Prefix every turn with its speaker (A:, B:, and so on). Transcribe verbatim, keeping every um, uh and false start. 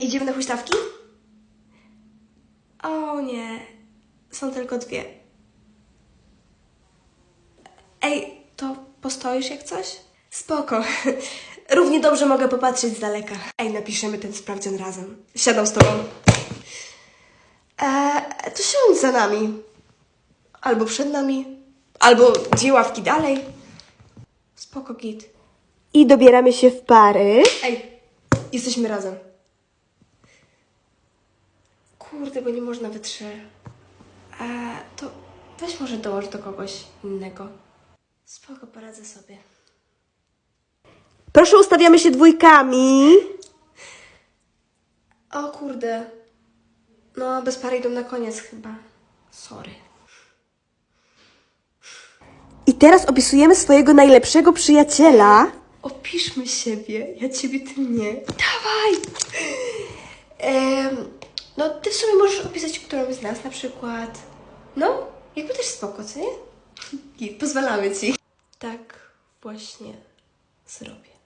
A: Idziemy na huśtawki? O nie, są tylko dwie. Ej, to postoisz jak coś? Spoko. Równie dobrze mogę popatrzeć z daleka. Ej, napiszemy ten sprawdzian razem. Siadam z tobą. Eee, to siądź za nami. Albo przed nami. Albo dwie ławki dalej. Spoko, git.
B: I dobieramy się w pary.
A: Ej, jesteśmy razem. Kurde, bo nie można we trzy. Eee, to weź może dołącz do kogoś innego. Spoko, poradzę sobie.
B: Proszę, ustawiamy się dwójkami.
A: O kurde. No, bez pary idą na koniec chyba. Sorry.
B: I teraz opisujemy swojego najlepszego przyjaciela.
A: Opiszmy siebie. Ja ciebie, ty mnie. Dawaj! Ehm, no, ty w sumie możesz opisać którąś z nas na przykład. No, jakby też spoko, co nie? I pozwalamy ci. Tak właśnie zrobię.